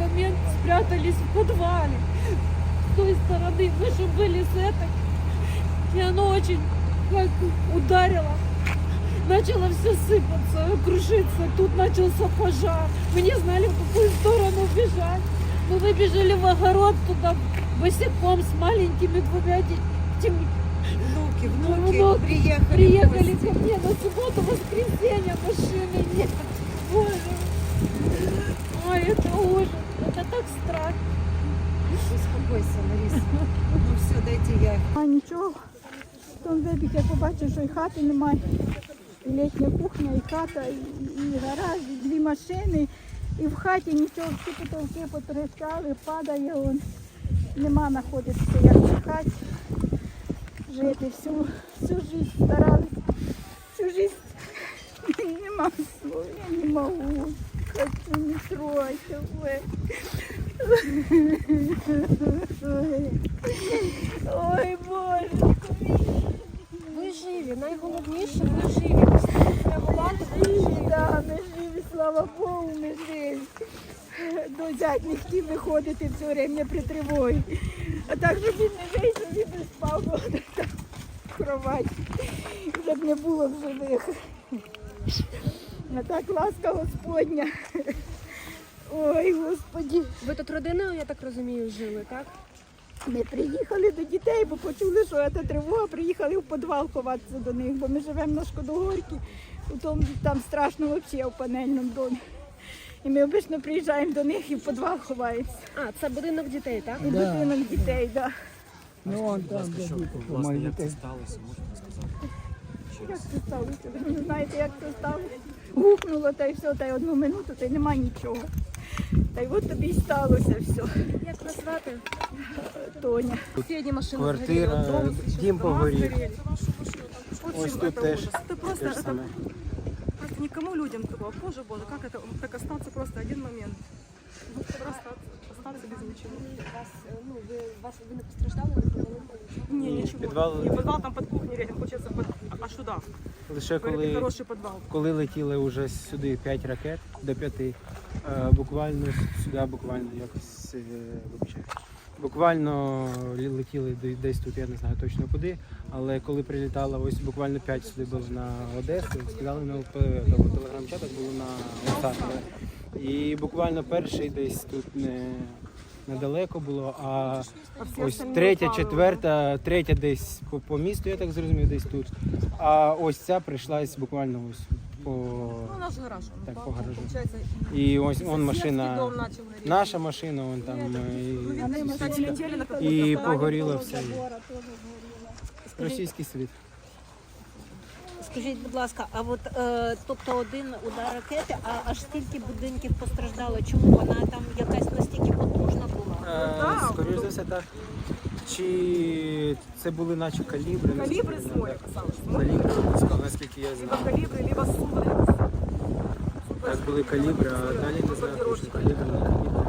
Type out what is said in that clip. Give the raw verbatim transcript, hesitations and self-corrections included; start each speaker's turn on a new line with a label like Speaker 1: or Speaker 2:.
Speaker 1: момент спрятались в подвале. С той стороны мы же были с этой. И оно очень как ударило. Начало все сыпаться, крушиться. Тут начался пожар. Мы не знали, в какую сторону бежать. Мы выбежали в огород туда босиком с маленькими двумя детьми.
Speaker 2: Внуки, внуки,
Speaker 1: Внуки
Speaker 2: приехали.
Speaker 1: Приехали ко мне на субботу, воскресенье, машины нет. Боже. Ой, это ужас. Это так страшно.
Speaker 2: Успокойся, Лариса. Ну все, дайте я.
Speaker 3: А нічого. Потім вибіг, я побачив, що і хати немає. І літня кухня, і хата, і, і гараж, і дві машини. І в хаті нічого, всі потолки потріскали, падає он. Нема знаходитися, як в хаті. Жити всю, всю життя старалися. Всю життя нема слов, я не можу. Хочу, не тройте ви. Ой, Боже.
Speaker 4: Ви живі, найголовніше, ви живі. Реагувати, ви живі.
Speaker 3: Да, ми живі, слава Богу, ми живі. До зять не хотів виходити все время при тривогі. А так, щоб він не вийшов, він не спав, бо там в кроваті. Щоб не було в живих. А так ласка Господня. Ой, Господі.
Speaker 4: Ви тут родиною, я так розумію, жили, так?
Speaker 3: Ми приїхали до дітей, бо почули, що це тривога, приїхали в підвал ховатися до них, бо ми живемо на Шкодогорці, там, там страшно взагалі в панельному домі. І ми обично приїжджаємо до них і в підвал ховаємося.
Speaker 4: А, це будинок дітей, так?
Speaker 3: І будинок дітей, так. Да.
Speaker 5: Ну, он там, де діти,
Speaker 6: Власне, як це
Speaker 5: дітей.
Speaker 6: сталося, можете сказати?
Speaker 3: Як це сталося? Ви не знаєте, як це сталося? Гукнуло, та й все, та й одну минуту, та й нема нічого. Та й от тобі й сталося все.
Speaker 4: Як вас звати?
Speaker 3: Тоня.
Speaker 4: Сусідні машини
Speaker 5: Квартира, дім погорів. Ось тут теж
Speaker 7: Это
Speaker 5: те
Speaker 7: просто,
Speaker 5: ж
Speaker 7: это
Speaker 5: саме.
Speaker 7: просто никому людям такого. Боже, Боже, как это так остаться просто один момент. Ну, просто остаться без ничего.
Speaker 4: Вас, ну, ви, вас, ви не постраждали, не провалили?
Speaker 7: Не,
Speaker 5: Ні,
Speaker 7: ничего.
Speaker 5: підвал-
Speaker 7: Не, подвал там под кухней рядом, получается, под... а сюда.
Speaker 5: Лише
Speaker 7: Говорит,
Speaker 5: коли,
Speaker 7: хороший подвал.
Speaker 5: коли летіли вже сюди п'ять ракет, до п'яти, е, буквально сюди, буквально якось, е, вибачаю. Буквально лі- летіли де- десь тут, я не знаю точно куди, але коли прилітало, ось буквально п'ять сюди було на Одесу, сказали на телеграм-чатах, було на WhatsApp. І буквально перший десь тут не недалеко було, а
Speaker 7: А все
Speaker 5: ось
Speaker 7: остальные
Speaker 5: третя,
Speaker 7: упали.
Speaker 5: четверта, третя десь по, по місту, я так зрозумів, десь тут. А ось ця прийшлась буквально ось по.
Speaker 7: Ну, наш гараж. Он
Speaker 5: Так,
Speaker 7: упал,
Speaker 5: по гаражу.
Speaker 7: Получается,
Speaker 5: І ось
Speaker 7: и
Speaker 5: вон
Speaker 7: соседский
Speaker 5: машина,
Speaker 7: дом начал гореть.
Speaker 5: наша машина, вон там.
Speaker 7: Ну,
Speaker 5: І
Speaker 7: видно, кстати, летели на какой-то
Speaker 5: і
Speaker 7: стороне.
Speaker 5: погоріло все.
Speaker 3: Забора теж згоріла.
Speaker 5: Російський світ.
Speaker 8: Скажіть, будь ласка, а от е, тобто один удар ракети, а аж стільки будинків постраждало? Чому вона там якась настільки потужна була?
Speaker 5: Е, Скоріше за все, так. Чи це були наче калібри?
Speaker 7: Калибры
Speaker 5: наскільки
Speaker 7: свой
Speaker 5: я
Speaker 7: оказалось.
Speaker 5: знаю. Калібри, наскільки я
Speaker 7: Либо
Speaker 5: знаю.
Speaker 7: калибры, либо сумры.
Speaker 5: Так були калібри, а далі не знаю, точно калібри, не калібри.